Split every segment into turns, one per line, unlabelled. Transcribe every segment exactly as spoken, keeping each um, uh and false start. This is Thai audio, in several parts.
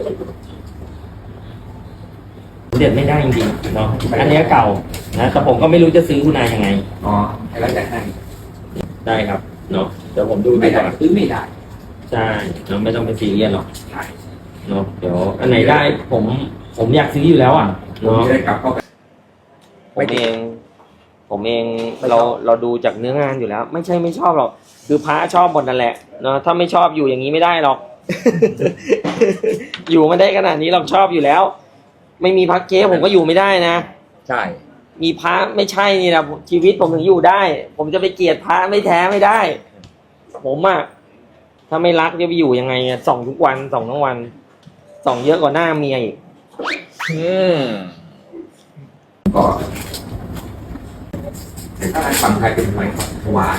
เด็ดไม่ได้จริงๆเนาะอันนี้เก่านะแต่ผมก็ไม่รู้จะซื้อคุณนายยังไง
อ๋อแล้วแต่ให้
ได้ครับเนาะเดี๋ยวผมดู
ไม่
ดีก
ได้
ว่า
ซื้อไม่ได้
ใช่เราไม่ต้องไปซีเรียสหรอก
ใช่
เนาะเดี๋ยวอันไหนได้ผมผมอยากซื้ออยู่แล้วอ่ะ
ผม
เนาะ
จะได้กลับเข้าไป
ผมเอง ผมเองเราเราดูจากเนื้องานอยู่แล้ว ไม่ใช่ไม่ชอบหรอกคือพระชอบหมดนั่นแหละเนาะถ้าไม่ชอบอยู่อย่างนี้ไม่ได้หรอก อยู่มาได้ขนาดนี้เราชอบอยู่แล้ว ไม่มีพระเก๊ผมก็อยู่ไม่ได้นะ
ใช่
มีพระไม่ใช่นี่นะชีวิตผมถึงอยู่ได้ ผมจะไปเกลียดพระไม่แท้ไม่ได้ ผมอะถ้าไม่รักจะไปอยู่ยังไงอะส่องทุกวันส่องทั้งวันส่องเยอะกว่าหน้าเมียอีก
อืมก็แต่ถ้าฝั่งไทยเป็นหอยหวาน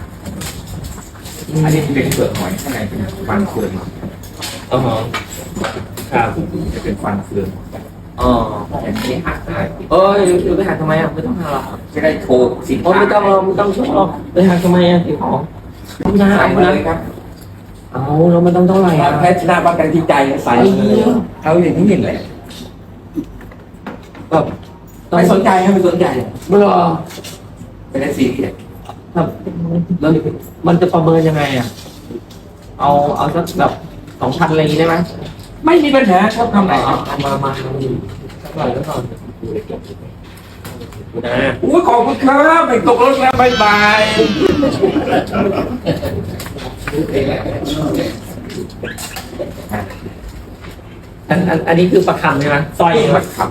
อันนี้เป็นเปลือกหอยข้างในเป็นฟันเฟือง
อ๋อครับ
จะเป็นฟันเฟือง
อ๋อ
อย่างนี้หักได้
เออเดี๋ยวไปหาทำไมอ่ะไม่ต้องหาหรอก
จะได้โชว์สิน
โอ้
ค้า
ไม่ต้องหรอกไม่ต้องชอบไปหาทำไมอ่ะที่ของไม่น่า
ใส่
เอา
มา
นะ
เลยครับ
เอาเราไม่ต้องเท่าไหร่อ่ะ
แค่ชนะบ้างกันที่ใจใส่เลยเขาอย่างนี้เห็นเลย
แบบ
ไม่สนใจครับไม่สนใจ
เบื่อ
เป็นซีเรียส
ครับแล้วมันจะประเมินยังไงอ่ะเอาเอาสักแบบสองพันอะไรอย่างงี้ได้ไหม
ไม่มีปัญหาชอบทำไหน
เอาเอามามาสักหน่อยสักหน่อยนะ
อุ้ยขอบคุณครับไม่ตกรถแล้วบายบาย
อันอันอันนี้คือประคำใช่ไหมสร้อย
นี่
ใช่ไหม
มันขับ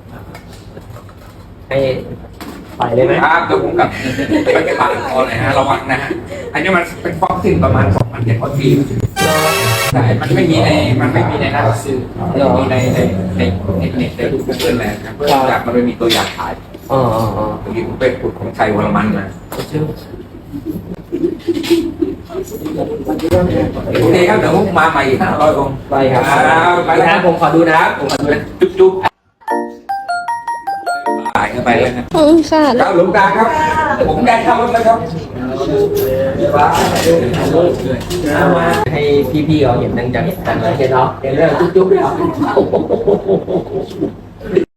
ให้ใส่เลยไหม
ครับเดี๋ยวผมกลับไปจะปาดคอเลยฮะระวังนะฮะอันนี้มันเป็นฟอกซินประมาณสองพันเจ็ดร้อยปีแต่มันไม่มีในมันไม่มีในหน้าซื้อมีในในในในเน็ตในรูปเพื่อนแหละครับเพื่อนอยากมันไม่มีตัวอย่างขาย
อ๋ออ๋ออ๋อ
ตรงนี้ผมไปขุดของชัยวรมันมา
ชื่อ
โอเคครับเดี๋ยวผมมาใหม่อีกห้าร้อยองค์
ไปครับ
ไปแล้ว
ผมขอดูนะครับผมขอดูนะ
จุ๊บจุ๊บตายเข้าไปแล้วนะ
อืมค่ะ
ครับหลวงตาครับ ผมได้เข้ารถแล้วครับ
ให้พี่ๆเขาเห็นดังๆดังเลยเห็นเนาะเห็นเรื่องจุ๊บๆด้วยเหรอ